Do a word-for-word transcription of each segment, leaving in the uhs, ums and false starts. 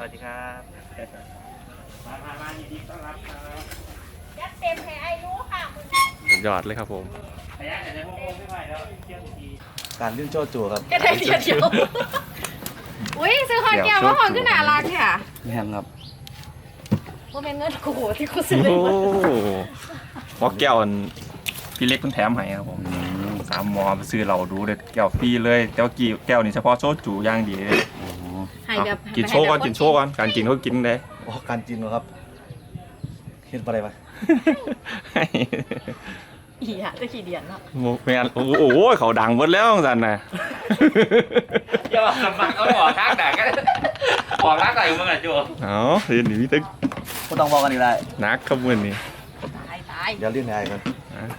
วัสดีครับมามามายินดีต้อนรับครับยัดเต็มให้ไอ้รู้ค่ะมึงสุดยอดเลยครับผมขยันแต่ในห้องไม่ไหวแล้วเที่ยวทุกทีการลื่นโจจูครับก็ได้เดียวเดียวอุ้ยซื้อคอนแก้วมาหอนขึ้นหนารักค่ะแม่ครับว่าเป็นเงินกูที่กูซื้อโอ้หมอแก้วพี่เล็กเพิ่งแถมให้ครับผมสามหมอไปซื้อเราดูเด็ดแก้วฟรีเลยแต่ว่ากี่แก้วนี่เฉพาะโซจูย่างดีเลยกินโชว์ก่อนกินโชว์ก่อนการกินเขากินได้โอ้การกินเหรอครับเห็นอะไรมาอีอะจะขี่เดียนเนาะโอ้ยโอ้โหเขาดังหมดแล้วสันนะอย่าบอกสมัครเอาหัวทักด่ากันหัวทักอะไรมึงอ่ะจูอ๋อเรียนหนีพี่ตึ๊กก็ต้องบอกกันอีกได้นักขบวนนี่ตายตายเดี๋ยวเรียกนายกัน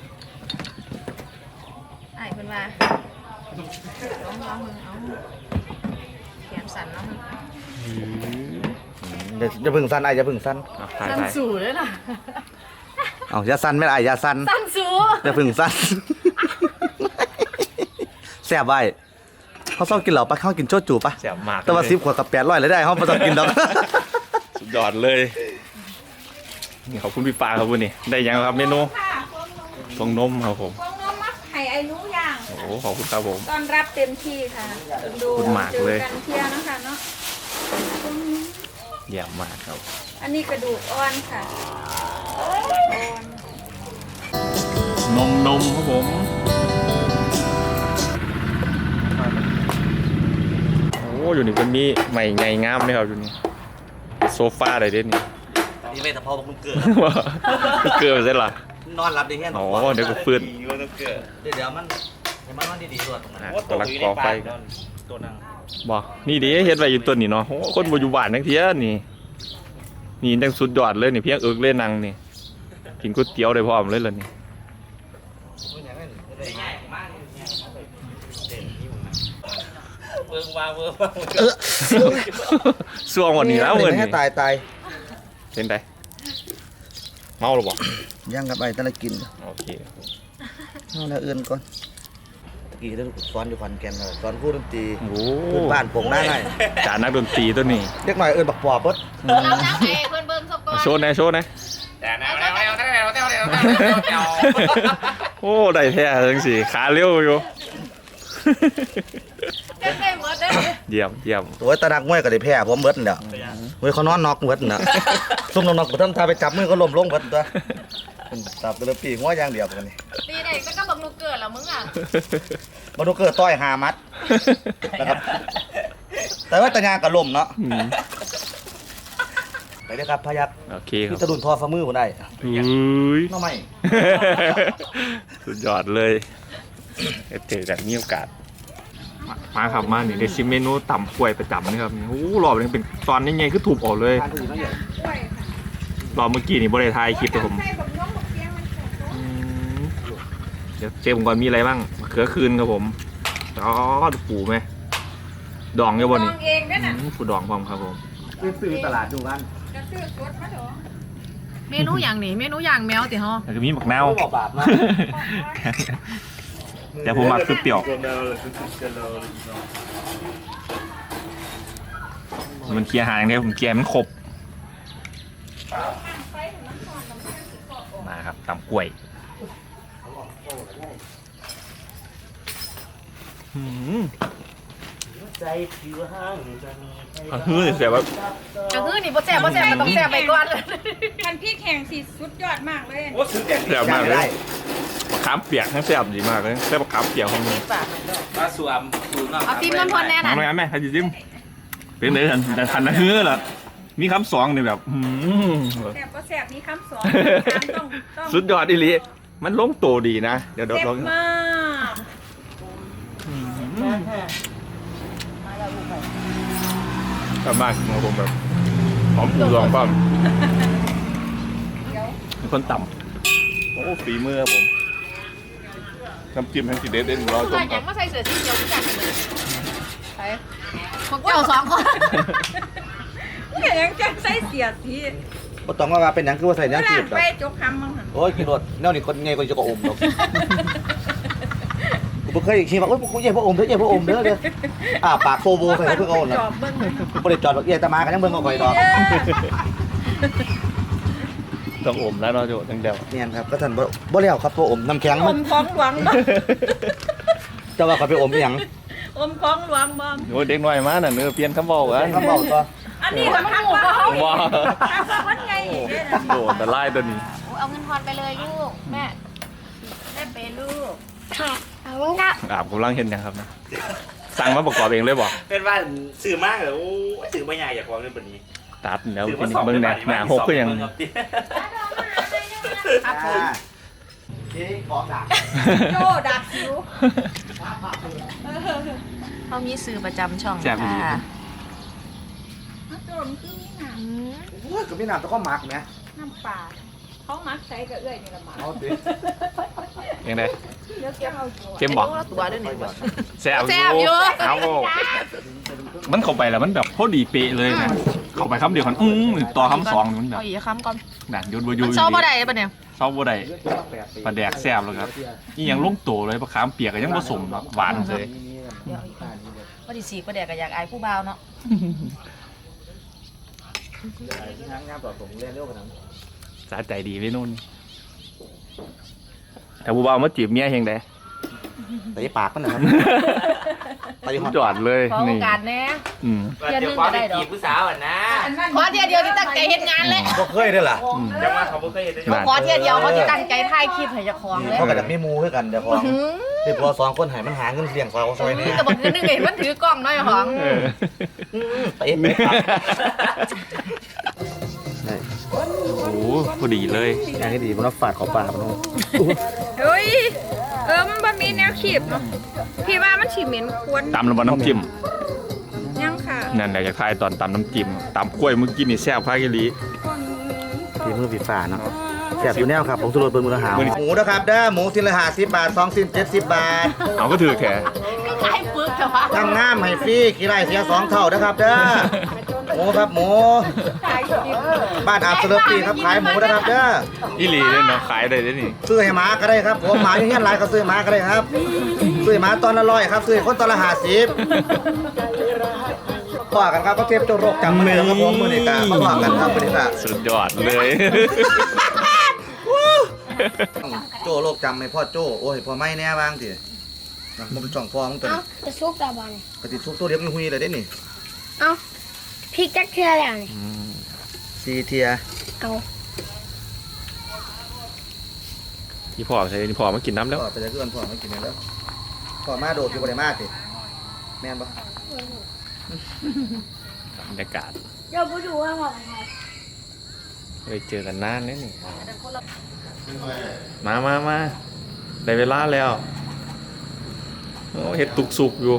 ไอ้คนมาร้องร้องมึงเอาเขียนสั่นแล้วมึงเดี๋ยวจะพึ่งสั้นไอ้จะพึ่งสั้นสั้นสูเลยนะเอาอย่าสั้นไม่ได้อย่าสั้นสั้นสูจะพึ่งสั้นแซ่บไว้เขาชอบกินเหล่าปะเขากินโจจูปะแซ่บมากแต่ว่าซิปขวดกับแปดร้อยเลยได้เขาไม่ต้องกินดอกสุดยอดเลยนี่ขอบคุณพี่ปาครับวันนี้ได้ยังครับเมนูฟองนมครับผมฟองนมมักไข่ไอ้รู้ย่างโอ้ขอบคุณครับผมตอนรับเต็มที่ค่ะดูเจอกันเที่ยนะคะเนาะเยี่ยมมากครับอันนี้กระดูกอ่อนค่ะนมนมครับผมโอ้อยู่นี่มันมีใหม่ไงงามเลยครับอยู่นี่โซฟาอะไรเด่นนี่นี่ไม่แต่พอมึงเกิดเกิดใช่หรอนอนหลับดีแค่อ๋อเดี๋ยวก็ฟื้นเดี๋ยวเดี๋ยวมันมันมันดีๆตัวตรงนั้นตัวรักกอไฟตัวนั่งบอกนี่ดิเฮ็ดไว้อยู่ตัวนี้เนาะคนบ่อยู่บ้านทั้งเที่ยนี่นี่จังสุดยอดเลยนี่เพียงเอิกเล่นนังนี่กินก๋วยเตี๋ยวได้พร้อมเลยล่ะนี่เบิ่งว่าเบิ่งช่วงวันนี้แล้วเงินนี่ตายตายเป็นไงเมาหรือเปล่ายังกับไอ้ตะละกินโอเคเอาแล้วเอื้อนก่อนตะกี้ได้สอนอยู่ขอนแก่นเลยสอนพูดดนตรีโอ้บ้านโป่งหน้าไงจานนักดนตรีตัวนี้เด็กหน่อยเอื้อนบักปอบปุ๊บเรานักเองเพื่อนเบิ้งสกอร์โชว์นะโชว์นะแต่แนวแนวแนวแนวแนวแนวแนวแนวโอ้ได้แท้จังสิขาเลี้ยวอยู่เยี่ยมเยี่ยมตัวตะนักมวยก็ได้แพ้ผมเบิดเนี่ยเว้ยเขานอนน็อกเบิดเนี่ยซุ่มนอนน็อกผมทำท่าไปจับมือก็ล้มลงเบิดตัวจับตัวปีง้อย่างเดียวกันนี่ตีไหนก็ต้องบักนูเกิดแล้วมึงอ่ะบักนูเกิดต้อยหามัดนะครับแต่ว่าตะยางกับลมเนาะไปเลยครับพยักโอเคครับตะดุนทอฝ่ามือผมได้อุ้ยน้องไม่สุดยอดเลยเจอจากมีโอกาสมาครับมาเนี่ยได้ชิมเมนูต่ำกล้วยประจำนี่ครับโอ้หล่อเลยเป็นตอนนี้ไงคือถูกออกเลยรอเมื่อกี้นี่บริไทยคลิปแต่ผมเดี๋ยวเจ๊ผมก่อนมีอะไรบ้างเขือคืนครับผมอ๋อปูไหมดองเยอะบ่นี่ปูดองพร้อมครับผมซื้อตลาดดูกันเมนูอย่างนี้เมนูอย่างแมวติฮะแล้วก็มีหมักแนวแต่ผมมักคือเปรี้ยวมันเคลียร์หางเนี่ยผมเคลียร์มันครบมาครับตำกล้วยอืมอ่ะคือเสียแบบอ่ะคือนี่บ่แซ่บบ่แซ่บมันต้องแซ่บไปก่อนเลยมันพี่แข่งสิสุดยอดมากเลยโอ้สุดแซ่บมากเลยมะขามเปียกทั้งแซ่บดีมากเลยแซ่บมะขามเปียกของมึงมาสวมสูงมากเอาจิ้มน้ำพรแน่น่ะทำไงแม่ใครจะจิ้มเป็นเลยแต่ทันนะคือเหรอมีคำสองเนี่ยแบบแซ่บก็แซ่บมีคำสองสุดยอดอีหลีมันลงโตดีนะเดี๋ยวเดี๋ยวลองมากชอบมากของผมแบบหอมปูดองปั้มมีคนต่ำโอ้ฝีมือผมน้ำจิ้มแห้งสีเด็ดเด่นร้อยต้มครับมาใส่เสื้อสีเขียวที่จัดเลยไปพวกเจ้าสองคนยังจะใส่เสียสีก็ต้องว่าเป็นยังคือว่าใส่ยังจีบไปจกคำมั้งโอ้ยกินรสแนวนี้คนไงคนจะก็อมหรอกกูผมเคยขี่บอกว่ากูเย่พระอมเด้อเย่พระอมเด้อเด้ออ่าปากโฟโบใส่เพื่อเอาน่ะจอบเบิ่งเลยบ่ได้จอดบอกเย่ตะมากันยังเบิ่งเอาข่อยดอกต้องอมแล้วเนาะโจตั้งเดียวเนี่ยครับก็ท่านบ่บ่แล้วครับตัวอมน้ำแข็งอมันมของหลวงบ่จะว่าข่อยไปอมอีหยังอมของหลวงบ่โอ้เด็กน้อยมาน่ะเนื้อเปลี่ยนคำบอกกันคำเว้าตัวอันนี้ก็มันหูว่าเฮาว้ามันไงอีกเด้อโดดแต่ไล่ตัวนี้เอาเงินทอนไปเลยลูกแม่แม่เป็นลูกค่ะเอาเงินครับอาบกำลังเห็นยังครับนะสั่งมาประกอบเองเลยบอกเป็นว่าสื่อมากเลยโอ้สื่อไม่ใหญ่อยากวางเรื่องแบบนี้ตัดแล้วเป็นเบิ้งแหนหนาหกก็ยังครับผมเอ๊ะของดักโจดักคิวเขามีสื่อประจำช่องแซ่บดีค่ะโจมคือนี่น่ะอืมโอ้ยก็มีน้ำตะก้อหมักแหมน้ำปลาเขามักใส่กับเอื้อยนี่ละหมาเอาสิยังไงเดี๋ยวเกี่ยวเอาตัวเข้มบอกตัวด้วยนี่แซ่บแซ่บอยู่เอามันเข้าไปแล้วมันแบบพอดีเป๊ะเลยนะเข้าไปคำเดียวกันอื้อต่อคำสองมันแบบเอาอีกคำก่อนนั่นยุดบอยูมันชอบบ่ได้ปะเนี่ยชอบบ่ได้ปลาแดกแซ่บแล้วครับนี่ยังลุ่งโตเลยปลาขามเปียกก็ยังผสมแบบหวานเลยเดี๋ยวอีกว่าดิสีประเดี๋ยวก็อยากอายผู้บ่าวเนาะงานงานต่อส่งเรียนเร็วกว่านั้นสาใจดีไว้นู่นแต่ผู้บ่าวมาจีบเมียเฮงได้แต่ปากมันนะครับไปหอดจอดเลยขอโอนี่กาสแน่อืมเดี๋ยวความเป็นจีบผู้สาวอ่ะนะขอเทียเดียวที่ตั้งใจเฮ็ดงานเลยบ่เคยได้อล่ะเดี๋ยวมาเขาไม่เคยเห็นได้นั่นขอเทียเดียวเขาที่ตั้งใจถ่ายคลิปให้เจ้าของเลยเขาก็จะมีหมูคือกันเดี๋ยวของหืมเดี๋ยวพอสองคนใหายมันหาเงินเสี่ยงซอยเขาซอยนี่แต่บอกนึงเห็นมันถือกล้องน้อยของเออไปเอ็ดไปครับโอ้โหพอดีเลยงานที่ดีมันต้องฝาดขอปลามันต้องเฮ้ยเออมันบ่มีแนวขีบเนาะพี่ว่ามันสิเหม็นควรตำแล้วบน้ำจิ้มยังค่ะนั่นแหละจะทายตอนตำน้ำจิ้มตำกล้วยเมื่อกี้นี่แซ่บพากิลีฝีมือฝีฝาเนาะแซ่บอยู่แนวครับผมสุรสเปิ้ลมือละหาวหมูนะครับเด้อหมูสิ้นละห้าสิบบาทสองสิ้นเจ็ดสิบบาทเอาก็ถือแค่คล้ายปึกแต่ว่าทำงามให้ฟรีขี้ไร่เสียสองเท่านะครับเด้อหมูครับหมูบ้านอาบเสลปีครับขายหมูนะครับเด้ออีหลีเลยเนาะขายได้เลยนี่ซื้อให้หมาก็ได้ครับผมหมาอยู่เฮียนหลายก็ซื้อหมาก็ได้ครับซื้อหมาตอนละร้อยครับซื้อให้คนตอนละห้าสิบต่อกันครับก็เทียบโจโรคจำมือครับผมมือนี่กะมาต่อกันครับมือนี่กะสุดยอดเลยโจโรคจำไม่พ่อโจโอ้ยพ่อไม่แน่บ้างทีนะมันเป็นจ่องฟองตัวเอานี้จะซุกตาบอลกติชุกตัวเดียวมีหุยเลยได้นี่เอาพริกจักเทือแล้วนี่ซีเทียเอาที่พ่อใช่ที่พ่อมากินน้ำแล้วพ่อไปจะเพื่อนพ่อไม่กินแล้วพ่อมาโดดอยู่บริมาสิแม่นปะบรรยากาศเดี๋ยวไปดูว่าหมดอะไรเคยเจอกันนานนี่นี่มามามาได้เวลาแล้วโอ้เห็ดตุกสุกอยู่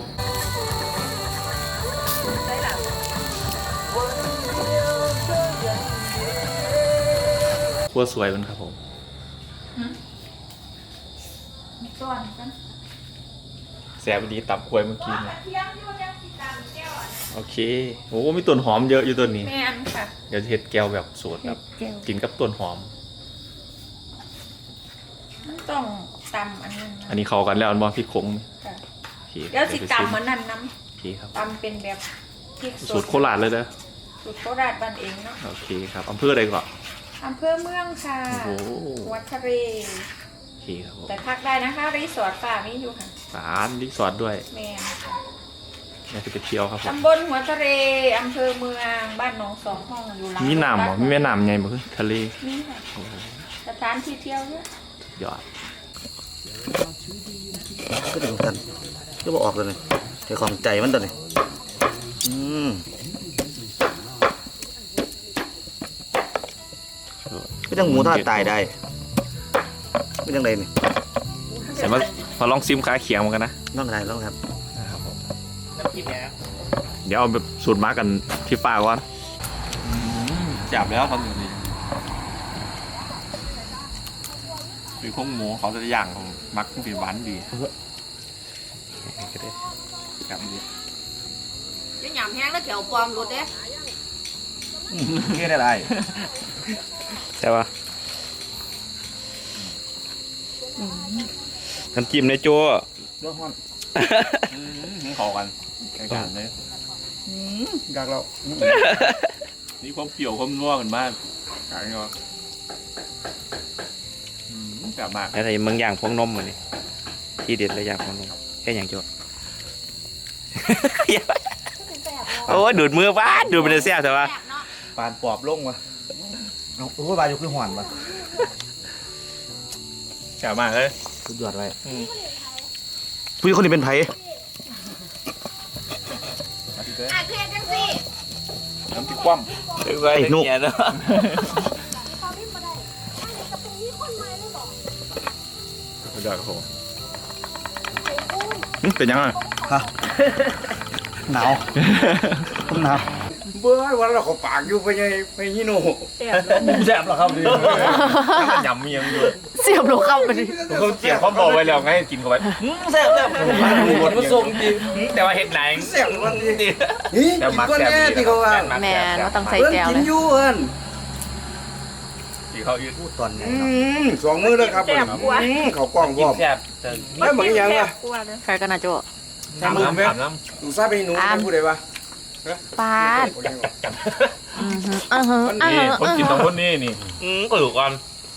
ครัวสวยมันครับผมส่วนกันแซ่บดีตับกล้วยเมื่อกี้นะโอเคโอ้มีต้นหอมเยอะอยู่ตัวนี้แม่นค่ะเดี๋ยวจะเห็ดแก้วแบบสูตรแบบเจียวกินกับต้นหอมมันต้องตำอันนั้นอันนี้เข้ากันแล้วอันบอพริกขงค่ะโอเคเดี๋ยวสิตำเหมือนนั้นน้โอเคครับำตำเป็นแบบพริกสสูดตรโคราชเลยนะสูตรโคราชบ้านเองเนาะโอเคครับอำเภออะไรก่อนอำเภอเมืองค่ะโอ้โหวัดทะเลโอเคครับผมแต่พักได้นะคะรีสอร์ทป่ามีอยู่ค่ะร้านรีสอร์ทด้วยแม่นค่ะน่าจะไปเที่ยวครับผมตำบลหัวทะเลอำเภอเมืองบ้านหนองสองห้องอยู่หลังมีน้ำเหรอมีแม่น้ำไงบ่คือทะเลนี่ค่ะโอ้โหสถานที่เที่ยวเยอะยอดก็ถึงกันก็บอกออกเลยนี่เดี๋ยวของใจมันตัวนี้อืมไม่ต้องหมูทอดตายได้ไม่ต้องไรนี่แต่ว่ามาลองซิมขาเขียงเหมือนกันนะต้องอะไรต้องครับนะครับผมน้ำจิ้มเนี่ยนะเดี๋ยวเอาแบบสูตรมากันที่ฟ้าก่อนจับแล้วทำอย่างนี้คือพวกหมูเขาจะย่างของมักเป็นหวานดีก็ได้จับดียังหยำแห้งแล้วแถวปลอมรถเด้นี่ได้ไรใช่ปะน้ำจิ้มในโจ้เรื่องห้อนขอกันแข่งกันเลยอยากเรานี่ความเปรี้ยวความนัวกันมากขายเนาะจับมากอะไรมึงย่างพวงนมมันนี่ที่เด็ดเลยย่างพวงนมแค่อย่างโจโอ้ดูดมือบ้านดูดเป็นเสี้ยแต่ว่าปานปอบลงวะเอาโอ้ยบาอยู่คือห่อนวะจับมากเลยสุดยอดไว้ผู้หญิงคนนี้เป็นไผอ่ะเคลียร์จังสิน้ำพริกคว่ไอ้นุกเนาะำสุดยอดครับผมเป็นยังไงฮะหนาวผมหนาวเบื่อวันเราขอปากอยู่ไปยังไปยี่โน่แซ่บเหรอครับดิยำมียังอยู่เสียบลูกเข้าไปดิเขาเจียบเขาบอกไว้แล้วไงกินเข้าไปแซ่บแซ่บหมดมาส่งจริงแต่ว่าเห็ดไหนแซ่บวันนี้นี่กินก้อนแน่ที่เขาว่าแม่นว่าต้องใส่เพิ่นแก้วกิเลนยอยู่เพิ่นที่เขายืดพูดตอนไหนสองมื้อแล้วครับเขากล้องพร้อมแซ่บไม่เหมือนยังวะใครกันนะโจถามน้ำถามน้ดูซาไปหนูได้พูดได้ปะปาดอือฮึอือฮึำอือนี่ฮึคนกินต้องคนนี้นี่อืมกระดูกก่อน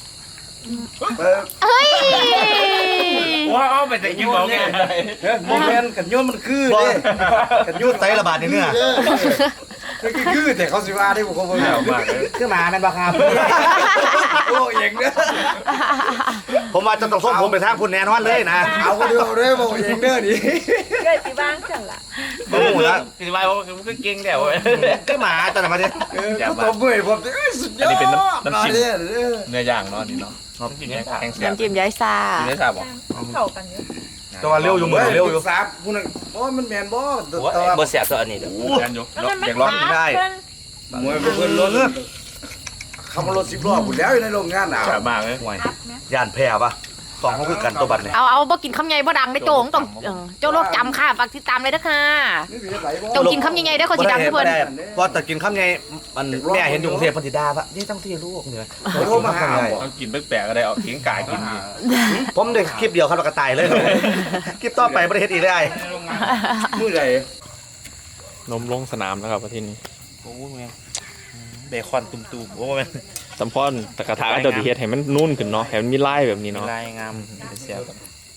เฮ้ยว้าวไปแต่กินบอกไงโมเมนต์กันโยนมันคือเด้กันโยนไตระบาดในเนื้อคือคือแต่เขาสิว่าได้บ่เขาบ่แย่มากเลยคือหมาแม่นบ่ครับโอ้เองเด้อผมว่าจะต้องส่งผมไปทางคุณแน่นอนเลยนะเอาก็เดียวเด้อบ่เองเด้อนี่เกิดที่บ้านจังล่ะบ่ฮู้ละสิว่ามันก็เก่งแล้วคือหมาจังมาดิเออก็ตบมือผมสุดยอดอันนี้เป็นน้ำน้ำจิ้มเด้อเนื้อย่างเนาะนี่เนาะครับกินแข็งเสียบน้ำจิ้มย้ายซากินได้ทราบบ่เข้ากันเยอะแต่ว่าเร็วอยู่มื้อเร็วอยู่ซับผู้นึงบ่มันแม่นบ่แต่ว่าบ่แซ่บตัวอันนี้กันอยู่อยากลองได้ มวยเพิ่นรถขับรถสิบล้อพุ่นแล้วอยู่ในโรงงานน่ะจับมากเลยห่วยย่านแพ้ปะสองเขาคือกันตัวบัดเนี่ยเอาเอาบ่กินคำใหญ่บ่ดังได้โจงต้องเออเจ้าโลกจำค่ะฝากติดตามเลยเด้อค่ะเจ้ากินคำใหญ่ๆได้อเขาสิดังทุกคนพอแต่กินข้าวไงมันแม่เห็นอยู่กรุงเทพพันธิดาปะนี่ต้องที่ลูกเนี่ยโทรมาหาต้องกินแปลกๆก็ได้เอาเลี้ยงไก่กินนี่ผมได้คลิปเดียวครับแล้วก็ตายเลยคลิปต่อไปประเทศอีกได้มื้อใดนมลงสนามแล้วครับประเทศนี้โอ้แม่เบคอนตุ่มๆโอ้แม่สัมพอนตะกะทะเดี๋ยวดีเฮ็ดให้มันนุ่นขึ้นเนาะให้มันมีลายแบบนี้เนาะลายงามเสียบ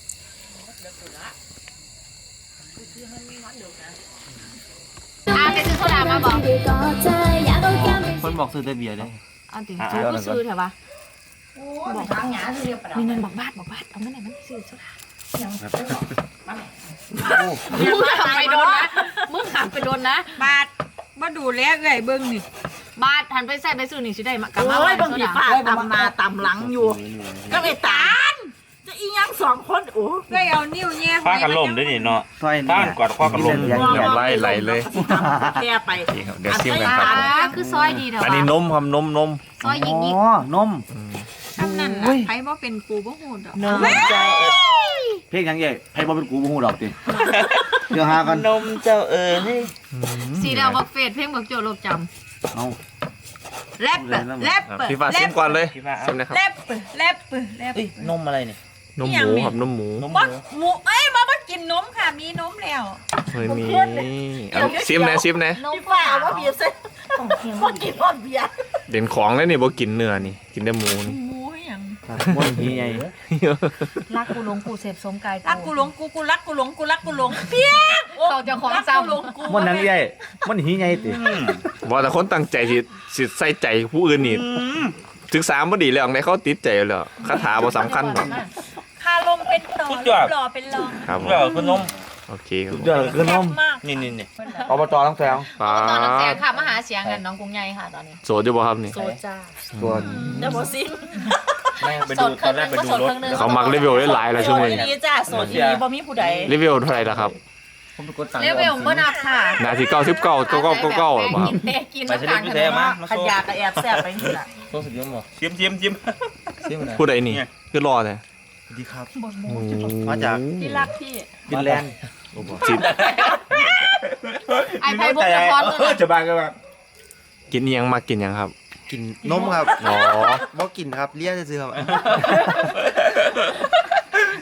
อ่าไปซื้อโซดามาบอกคนบอกซื้อแต่เบียร์เลยเอาติซื้อก็ซื้อเถอะปะบอกทางหยาซื้อเรียบมีเงินบอกบาทบอกบาทเอาเงินไหนมันซื้อโซดามึงหักไปโดนนะมึงหักไปโดนนะบาทมาดูแลเอ้ยเบิ่งนี่บาทหันไปใส่ไปซื้อนี่สิได้มากลับมาโอ้ยบ้านบางโซทีดาป้าตำมาตำหลังอยู่ ก็ไอ้ตาลจะอีหยังสองคนโอ้เอ้ยเอานิ้วแย่ฟ้ากันล่มด้วยนี่เนาะซอยฟ้ากันกอดข้อกันล่มไล่ไหลเลยแค่ไปเดี๋ยวซิมกันครับอ่าคือซอยดีเถอะอันนี้นมครับนมนมซอยยิงยิงนมทำนั่นน่ะไผบ่เป็นกูบ่ฮู้ดอกนมเจ้าเพลงยังไงให้บ่เป็นกูบ่ฮู้ดอกติเดี๋ยวหากันนมเจ้าเอ๋ยสีดาวบอกเฟดเพลงบอกโจลบจเอาแรปแรปพี่ฟ้าซิมก่อนเลยพี่ฟ้าซิมนะครับแรปแรปแรปเอ้ยนมอะไรเนี่ยนมหมูครับนมหมูบ่หมูเอ้ยบ่บ่กินนมค่ะ มีนมแล้วเฮ้ยมีเอาซิมนะซิมนะำนมพี่ฟ้าว่าเบียร์เซ็ตพวกกินพวกเบียร์เด่นของเลยนี่บ่กินเนื้อนี่กินแต่หมูนี่หมูหยังบ่มีไงรักกูหลงกูเสพสมกายรักกูหลงกูกูรักกูหลงกูรักกูหลงเพียงเขาจะของรักซ้กูหลงกูมันนังใหญ่มันหีใหญ่ติบ่แต่คนตั้งใจสิสิใส่ใจผู้อื่นนี่ศึกษาบ่ดีแล้วในเขาติดใจแล้วคาถาบ่สำคัญหรอกคาลมเป็นต่อหล่อเป็นรองครับผมเจ้าคือนมโอเคครับผมเดี๋ยวคือนมมากนี่นี่นี่อบจทั้งแถวป้าำตอนนั้นแสงค่ะมาหาเสียงกันน้องกรุงใหญ่ค่ะตอนนี้โสดอยู่บ่ครับนี่โซจ้าตัวเดี๋ยวหมดซิมแม่ไปดูตอนแรกไปดูรถเขามักรีวิวได้หลายแล้วช่วงนี้นี้จ้าโสดอีบ่มีผู้ใดรีวิวเท่าไหร่ล่ะครับผมไปกดสั่งเรียกเวลเมื่อนับค่ะนาทีเก้าสิบเก้าเก้าเก้าเก้าเก้าหรอครับกินเด็กกินไปเฉลี่ยพิเศษมามาขันโซ่ยากระแอบแซ่บไปนี่แหละโซ่สุดยอดบ่จิ้มจิ้มจิ้มจิ้มอะไรผู้ใดนี่คือรอเลยดีครับมาจากที่รักพี่ฟินแลนด์จิตไอ้ไผ่บุกจะพรตัวนั้นจะบางกันบ้างกินเอียงมากินยังครับกินนมครับอ๋อบ่กินครับเลี้ยซื่อๆครับ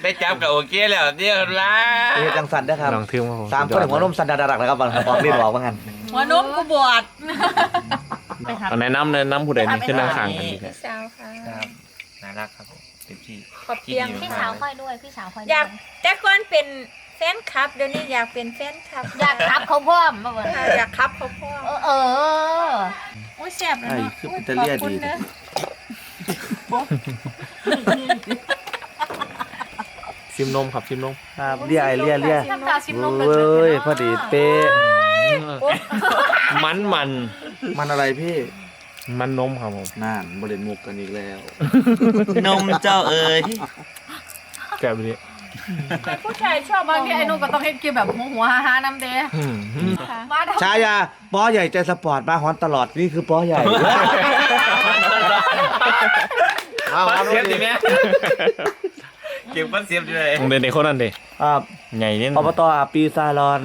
ได้จับกับโอเคแล้วเดี๋ยวละเฮ็ดจังสันเด้อครับลองทึมครับผมสามคนหัวนมสันดาดักนะครับบางบอกเรียนบอกว่างั้นหัวนมกูบวชไปหาเอาแนะนำแนะนำผู้ใดนี่ขึ้นนั่งข้างกันดีแค่พี่สาวค่ะครับน่ารักครับผมเต็มที่ขอบเพียงพี่สาวค่อยด้วยพี่สาวค่อยอยากแต่ก่อนเป็นแฟนคลับเดี๋ยวนี้อยากเป็นแฟนคลับอยากทับเขาพ่อมมาเบิ่งค่ะอยากครับเขาพ่อเออเอออุ้ยแซ่บเลยไอ้เนาะคือเป็นตะเลียดีซิมนมครับซิมนมครับเลียไอเลียเลียทำตาชิมนมเว้ยพอดีเป๊ะมันมันมันอะไรพี่มันนมครับผมนั่นบริเวณมุกกันอีกแล้วนมเจ้าเอ๋ยแกะไปดิผู้ชายชอบบางทีไอ้นุ่นก็ต้องเฮ็ดกินแบบหัวหัวฮ่าๆน้ำเด้อืมมาทำชายาป้อใหญ่ใจสปอร์ตมาฮอนตลอดนี่คือป้อใหญ่เอาปัเอานเสียบดิแม่เก็บปันเสียบดิเลยเด็กเด็กคนนั้นดิอ่าใหญ่เนี่ยอบตปีซาลอน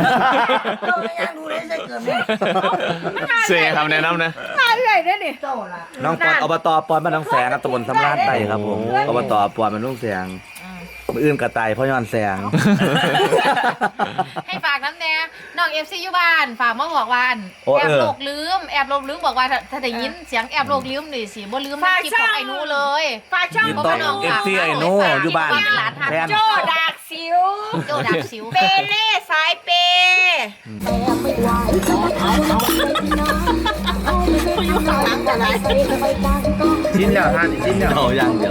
เสียครับแนะนำนะมาเรื่อยได้นี่น้องปอนอบตปอนบ้านน้องแสงครับตำบลสำราญไต่ครับผมอบตปอนมันลุงแสงมืออื่นกระต่ายเพราะย้อนแสงให้ฝากน้ำแน่น้องเอฟซีอยู่บ้านฝากมาบอกว่าอันโอ้แอบเออโลกลืมแอบโลกลืมบอกว่าถ้าถ้าได้ยินเสียงแอบโลกลืมนี่สิบ่ลืมคลิปของไอ้หนูเลยฝากช่องยินต้อนเอฟซีไอโน่อยู่บ้านแทนโจดากสิวโจดักสิวเปเล่สายเปชิ้นแล้วท่านชิ้นแล้วเอาอย่างเดียว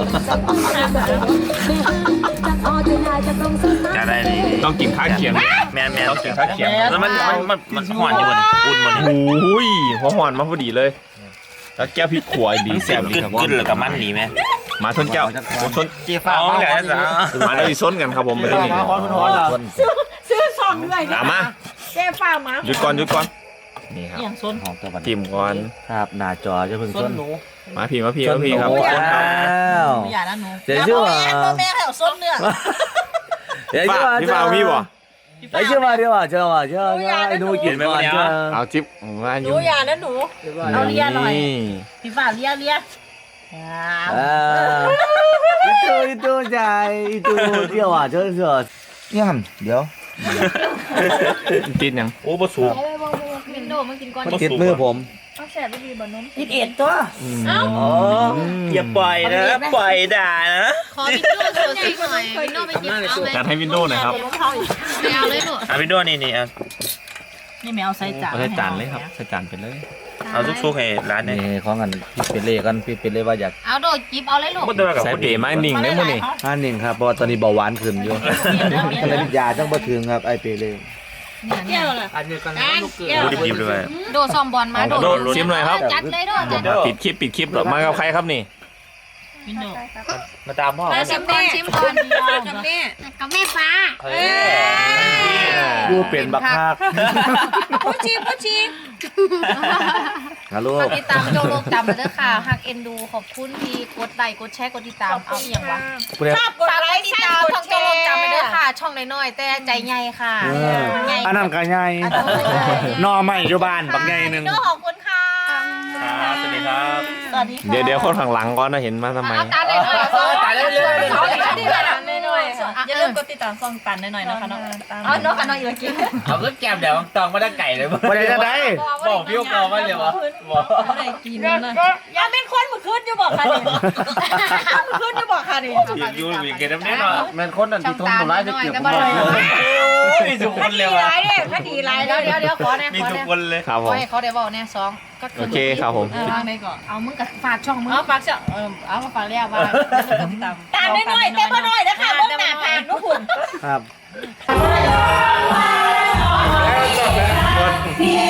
จะได้เลยต้องกินข้าวเคียงแม่แม่ต้องกินข้าวเคียงแล้วมันมันมันมันหวานอยู่บนอุ่นบนโอ้ยหัวหอนมาพอดีเลย แล้วแก้วพริกขัวดีแซ่บดีครับกึดหรือกับมันดีไหมมาทนแก้วผมทนเจี๊ยฟ้าเอาเลยจ้ะมาแล้วอีซ้นกันครับผมไปที่นี่ซื้อซองด้วยตามมาเจ๊ฟ้ามาหยุดก่อนหยุดก่อนนี่ครับอย่างส้นของตัวบันจิ้มก่อนครับหน้าจอจะเพิ่งส้ส้นนหนูมาพี่มาพี่มาพี่ครับส้นหนูคนครับแล้วอย่านะหนูเดี๋ยวชื่อว่าพ่อแม่ให้เอาส้นเนื้อเดี๋ยวป้าชื่อว่าพี่ฟ้ามีบ่เดี๋ยวชื่อว่าเดี๋ยวว่าเจ้าว่าเจ้าไอ้หนูกินก่อนเจ้าเอาจิ๊บมาหอนูยู่อย่านะหนู เอาเลียหน่อยนี่พี่ฝ่าเลียเลียอ่าอีตูอีตูใจอีตูเดี๋ยวว่าเจ้าเจ้าเนี่ยเดี๋ยวติดยังโอ้บะสูวินโดว์มันกินก่อนมันติดมือผมเอาแสบดีบ่นมยิดเอ็ดตัวอ๋ออย่าปล่อยนะปล่อยด่านะขอวินโดว์โชว์ซิหน่อยวินโดว์ไปกินเอาไหมจัดให้วินโดว์หน่อยครับไม่เอาเลยลูกอ่ะพี่ด้วนี่นี่อ่ะนี่แมวใส่จานเอาใส่จานเลยครับใส่จานไปเลยเอาซุกๆให้ร้านนี่นี่ของกันพี่เป็นเล่กันพี่เป็นเล่ว่าอยากเอาโดดจิบเอาเลยลูกมันตัวกับใส่คนเป๋ดีไม้หนิ่งได้มั้งนี่ห้าหนึ่งครับเพราะว่าตอนนี้เบาหวานขึ้นอยู่ก็เลยยาจังบ่ถึงครับไอเปเล่เกี่ยวเลยอันนี้กันดูดิบๆด้วยโดดซอมบอลมาโดดโดดซิมหน่อยครับจัดเลยโดดจัดปิดคลิปปิดคลิปเหรอมากับใครครับนี่วินโดว์มาตามพ่อมาชิมก่อนชิมก่อนกับแม่กับแม่ฟ้าเฮ้ยดูเป็นบักคากผู้ชีผู้ชีฮัลโหลฝากติดตามโจโลกจำมาเด้อค่ะหักเอ็นดูขอบคุณที่กดไลค์กดแชร์กดติดตามเอาอย่างวะชอบกดฝากไลไลค์ค์ติดแชตามร์กช่อดงแชโจโลกร์จำไปเด้อค่ะ ช่องน้อยๆแต่ใจใหญ่ค่ะอันนั้นก็ใหญ่นอใหม่อยู่บ้านบักใหญ่นึงโจขอบคุณค่ะสวัสดีครับสวัสดีค่ะเดี๋ยวเดี๋ยวคนข้างหลังก่อนนะเห็นมาทำไมเอาตาได้หน่อยตาได้เลยเอาตาได้เลยหน่อยอย่าลืมกดติดตามซองตันหน่อยๆนะคะน้องเอาน้องกันน้องอีกกินเอาก็แก้มเดี๋ยวตองมาได้ไก่เลยบ่ได้จะได้บอกพี่ว่ามาเลยวะบอกอะไรกินนะอย่าเป็นคนมือขึ้นอยู่บอกค่ะดิมือขึ้นอยู่บอกค่ะดิอยู่อยู่มีเกน้ำแน่นอนแม่นคนนั้นช่อที่งทนตาตัวร้ายจะหน่อยเก็บก็ผมบ่ไว้ได้มีทุกคนเลดียวะไรเด้คดีไรเดี๋ยวเดี๋ยวเดี๋ยวขอแน่มีขอทุกแน่คนเลยครับผขอมให้เขาได้บอกแน่สองก็โอเคครับผมวางไหนก่อนเอามึงกับฝากช่องมึงเอาฝากเสียเออเอามาฝากแล้วว่าติดตามตามหน่อยเต็มหน่อยนะคะเบื้องหน้าผ่านนุคุณครับเ